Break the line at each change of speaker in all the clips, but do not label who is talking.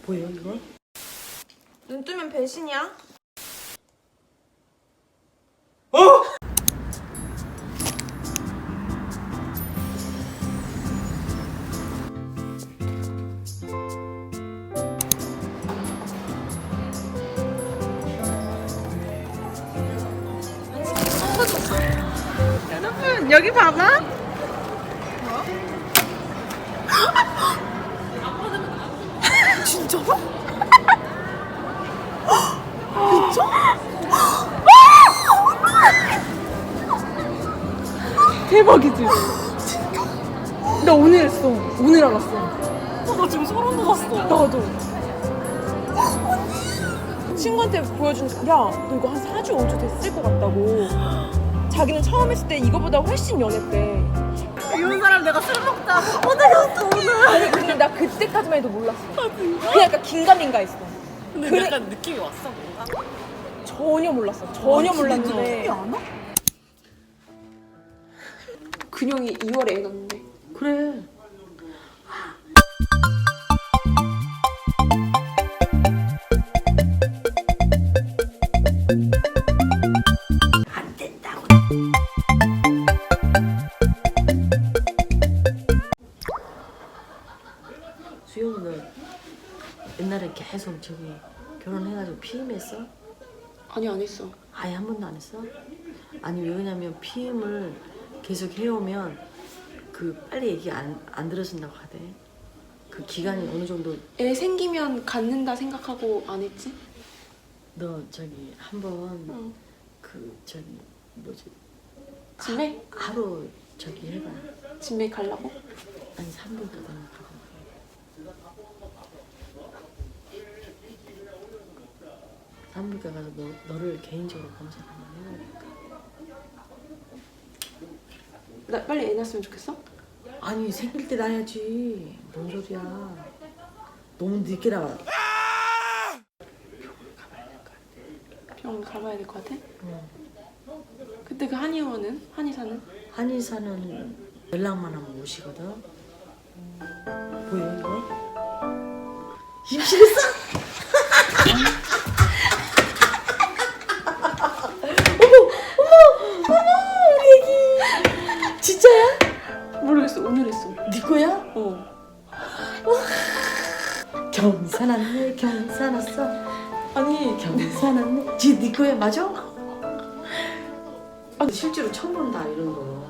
보여 이거?
눈 뜨면 배신이야?
어?
여러분 여기 봐봐. 진짜로? 진짜? 대박이지? 나 오늘 했어. 오늘 알았어.
나 지금 소름 돋았어.
나도. 친구한테 보여준, 야, 너 이거 한 4주, 5주 됐을 것 같다고. 자기는 처음 했을 때 이거보다 훨씬 연했대.
이런 사람 내가 술 먹다 어디갔어 오늘.
아니, 근데 나 그때까지만 해도 몰랐어. 그냥 약간 긴가민가 했어.
근데
그래.
약간 느낌이 왔어 뭔가.
전혀 몰랐어. 전혀 몰랐는데.
안 와?
근영이 2월에 애 낳는데.
그래. 안 된다고. 수영은 옛날에 계속 저기 결혼해가지고 피임했어?
아니, 안 했어.
아예 한 번도 안 했어? 아니 왜냐면 피임을 계속 해오면 그 빨리 얘기 안 들어준다고 하대. 그 기간이 어느 정도.
애 생기면 갖는다 생각하고 안 했지?
너 저기 한번
응.
그 저기 뭐지
진매?
하루 저기 해봐.
진매 가려고?
아니 3분 동안 가봐. 산부인과 가서 너를 개인적으로 검사 한번 해보니까.
나 빨리 애 낳았으면 좋겠어?
아니 생길 때 나야지. 뭔 소리야. 너무 늦게 나와.
병원 가봐야 될 것 같아?
응.
그때 그 한의원은? 한의사는?
한의사는 연락만 하면 오시거든. 보여 이거? 임신했어? 어머 우리 애기 진짜야?
모르겠어. 오늘 했어.
네 거야?
어.
경사났네 경사났어.
아니,
경사났네. 네 거야 맞아? 아 실제로 처음 본다 이런 거.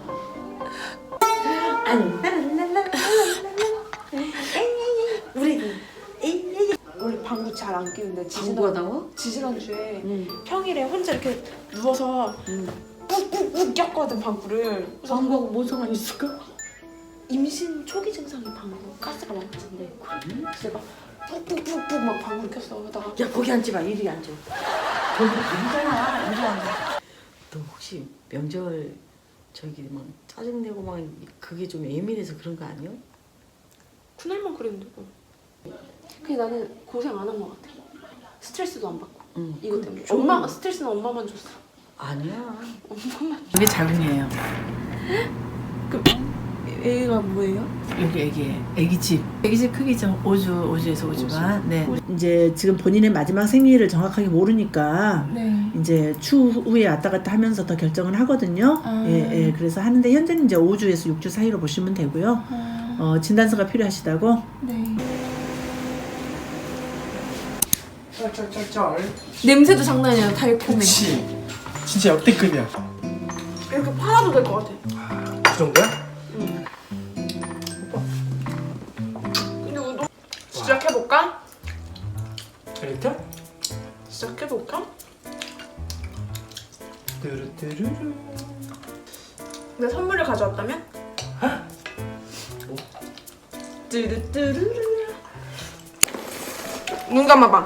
우리 애기.
원래 방구 잘 안 끼는데
방구하다고?
지지난주에
응.
평일에 혼자 이렇게 누워서
응.
꾹꾹꾹 꼈거든 방구를. 그래서
방구하고 뭔 상관 있을까?
임신 초기 증상이 방구 가스가 많았는데 그래서 내가 푹푹푹푹 막 방구를 꼈어. 그러다가
야 거기 앉지 마. 이리 앉아. 거기 앉잖아. 이리 앉아. 너 혹시 명절 저기 막 짜증내고 막 그게 좀 예민해서 그런 거 아니야?
그날만 그랬는데. 근데 나는 고생 안 한 것 같아. 스트레스도 안 받고.
응.
이것 때문에.
좀-
엄마 스트레스는 엄마만 줬어.
아니야.
엄마만.
이게 자궁이에요.
애가 뭐예요?
여기 애기집 크기죠. 5주에서 5주간. 네.
이제 지금 본인의 마지막 생리를 정확하게 모르니까
네.
이제 추후에 왔다 갔다 하면서 더 결정을 하거든요. 예, 그래서 하는데 현재는 이제 5주에서 6주 사이로 보시면 되고요. 진단서가 필요하시다고?
네.
쩔쩔쩔쩔.
냄새도 장난이 아니라 달콤해.
그치. 진짜 역대급이야.
이렇게 팔아도 될 것 같아.
그 정도야?
근데 우동 시작해볼까?
이렇게?
시작해볼까?
뚜루뚜루루.
내 선물을 가져왔다면? 뚜루뚜루루. 눈 감아봐.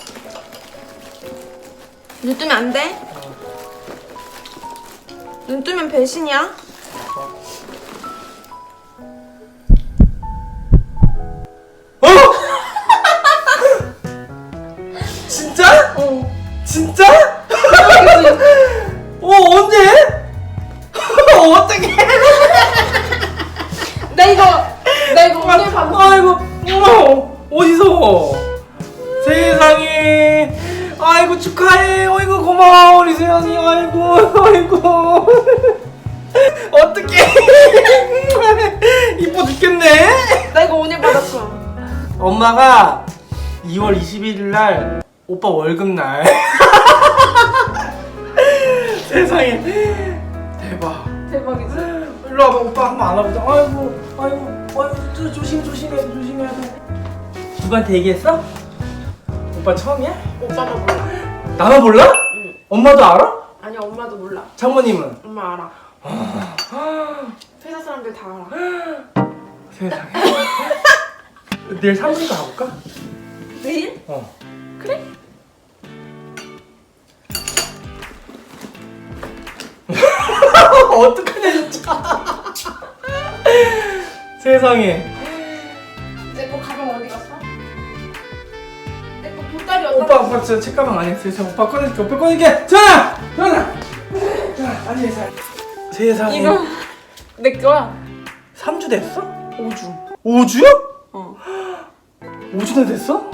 눈 뜨면 안 돼? 눈 뜨면 배신이야?
진짜?
어.
진짜? 언제? 어떻게?
나 이거 오늘 밤
아이고, 어머, 어디서? 아이고 축하해. 어이구 고마워 우리 세연이. 아이고 아이고. 어떡해. 이뻐 죽겠네.
나 이거 오늘 받았어.
엄마가 2월 21일 날 오빠 월급 날. 세상에 대박.
대박이지?
일로 와봐. 오빠 한번 안아보자. 아이고 아이고 조심해야 돼. 누구한테 얘기했어? 오빠 처음이야?
오빠만 몰라.
나만 몰라?
응.
엄마도 알아?
아니 엄마도 몰라.
장모님은?
엄마 알아. 회사 사람들 다 알아.
세상에. 내일 사무실 가볼까?
내일?
어.
그래?
어떡하냐 진짜. 세상에.
내 거 가방 어디 갔어? 내 거 보따리 어디다?
오빠 진짜 책가방 안에 있어요. 오빠 꺼낼게. 오빠 꺼낼게. 전화. 자 앉아있어. 세상에.
이거 내 거야.
3주 됐어?
5주.
5주요?
어.
5주나 됐어?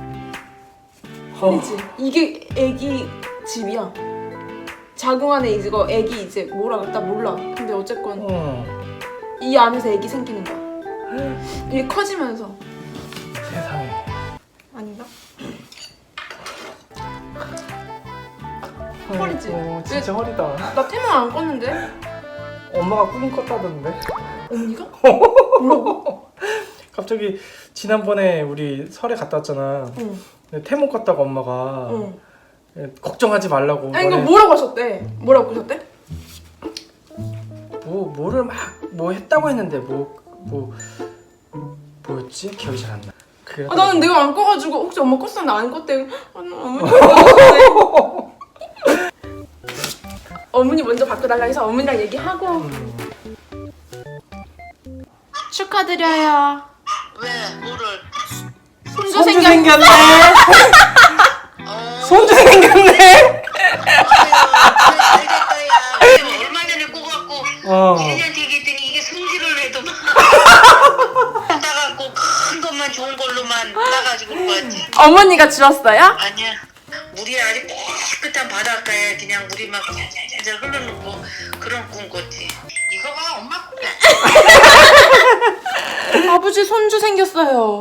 그치? 이게 애기 집이야. 자궁 안에 이거 애기 이제 뭐라 그랬다 몰라. 근데 어쨌건 이 안에서 애기 생기는 거야. 이게 커지면서.
세상에.
아닌가? 허리지?
진짜 허리다.
나 태몽 안 껐는데?
엄마가 꾸민 껐다던데.
언니가?
갑자기 지난번에 우리 설에 갔다 왔잖아.
응.
근데 태몽 껐다고 엄마가
응.
걱정하지 말라고.
아니 이거
너네
뭐라고 하셨대? 뭐라고 하셨대?
뭐를 막 뭐 했다고 했는데 뭐였지? 기억이 잘 안 나. 그래.
나는 내가 안 꺼가지고 혹시 엄마 껐어? 나 안 껐대. 어머니 껐어. 어머니 먼저 바꿔달라 해서 어머니랑 얘기하고 축하드려요.
왜? 뭐를?
손주
손주
생겼.
생겼네. 손주 생겼네.
잘 됐다 야. 얼마 전에 꼬갖고 1년 되겠더니 이게 승질을 해도 막 따갖고 큰 것만 좋은 걸로만 따가지고 왔지.
어머니가 주었어요?
아니야. 물이 아주 깨끗한 바닷가에 그냥 물이 막 잘잘잘 흘러놓고 그런 꿈 꿨지. 이거 봐 엄마 꿈.
아버지 손주 생겼어요.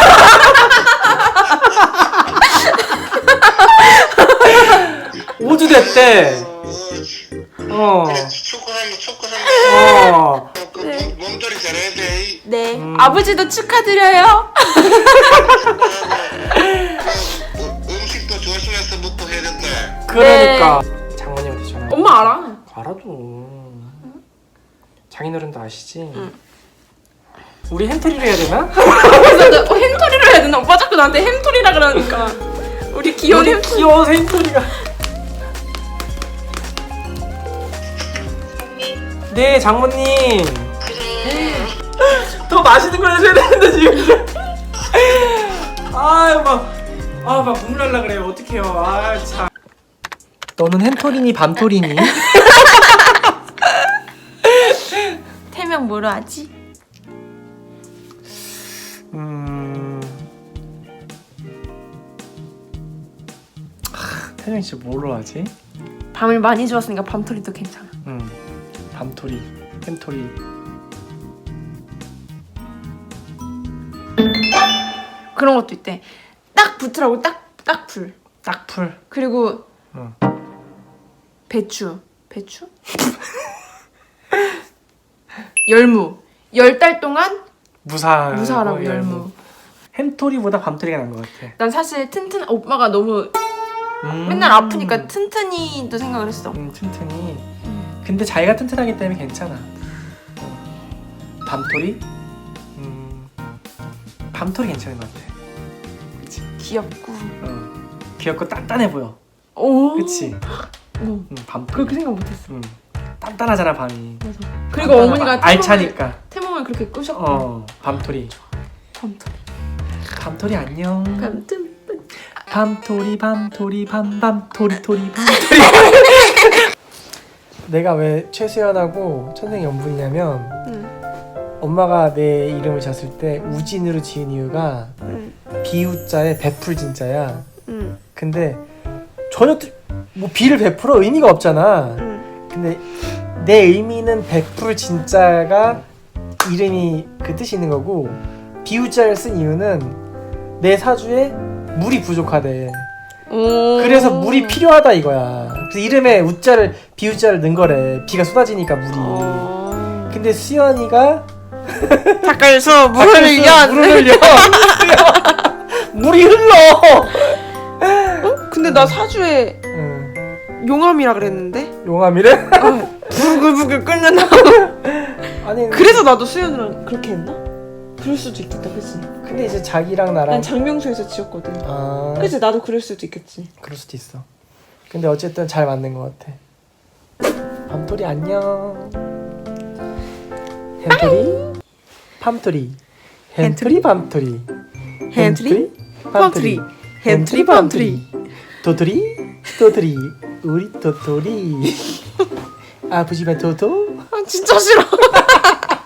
5주 됐대.
그래 축구 살려. 몸조리 잘해야 돼.
네. 아버지도 축하드려요.
음식도 조심해서부터 해야 된다.
그러니까 장모님한테 전화.
엄마 알아.
알아도. 장인어른도 아시지? 우리 햄토리를 해야 되나?
그래서 나 햄토리를 해야 되나? 오빠 자꾸 나한테 햄토리라 그러니까. 우리 귀여운 햄토리.
귀여운 햄토리가. 네 장모님. 더 맛있는 걸 해줘야 되는데 지금. 막 눈물 날라 그래요. 어떡해요. 아 참. 너는 햄토리니 밤토리니?
태명 뭐로 하지?
태정이 씨 뭐로 하지?
밤을 많이 주었으니까 밤토리도 괜찮아.
밤토리, 햄토리.
그런 것도 있대. 딱 붙으라고 딱풀.
딱풀.
그리고
응.
배추. 열무. 10달 동안 무사하라고 열무.
햄토리보다 밤토리가 나은 것 같아.
난 사실 오빠가 너무 맨날 아프니까 튼튼이도 생각을 했어.
튼튼히. 근데 자기가 튼튼하기 때문에 괜찮아. 밤토리? 밤토리 괜찮은 것 같아. 그치?
귀엽고.
귀엽고 단단해 보여.
오.
그치?
오.
밤토리.
그렇게 생각 못했어.
단단하잖아 밤이.
맞아. 그리고 어머니가
알차니까.
태몽을 그렇게 꾸셨고.
밤토리.
밤토리.
밤토리 안녕.
밤토리.
밤토리 밤토리 밤토리. 내가 왜 최수연하고 천생연분이냐면 엄마가 내 이름을 지었을 때 우진으로 지은 이유가 비우자에 베풀 진자야. 근데 전혀 뭐 B를 베풀어 의미가 없잖아. 근데 내 의미는 100% 진짜가 이름이 그 뜻이 있는 거고 비우자를 쓴 이유는 내 사주에 물이 부족하대. 그래서 물이 필요하다 이거야. 그래서 이름에 우자를 비우자를 넣은 거래. 비가 쏟아지니까 물이. 근데 수연이가
닭갈수 물을 흘려.
물이 흘러.
근데 나 사주에
응.
용암이라 그랬는데
용암이래?
부글부글 끓는
아니
그래서 나도 수연이랑 그렇게 했나? 그럴 수도 있겠다, 그치?
근데 이제 자기랑 나랑
난 장명수에서 지었거든.
아
그치, 나도 그럴 수도 있겠지.
그럴 수도 있어. 근데 어쨌든 잘 맞는 것 같아. 밤토리 안녕. 햄토리 팜토리 햄토리 밤토리
햄토리 팜토리 햄토리 팜토리
도토리 우리 도토리 아프지만 도도
아 진짜 싫어.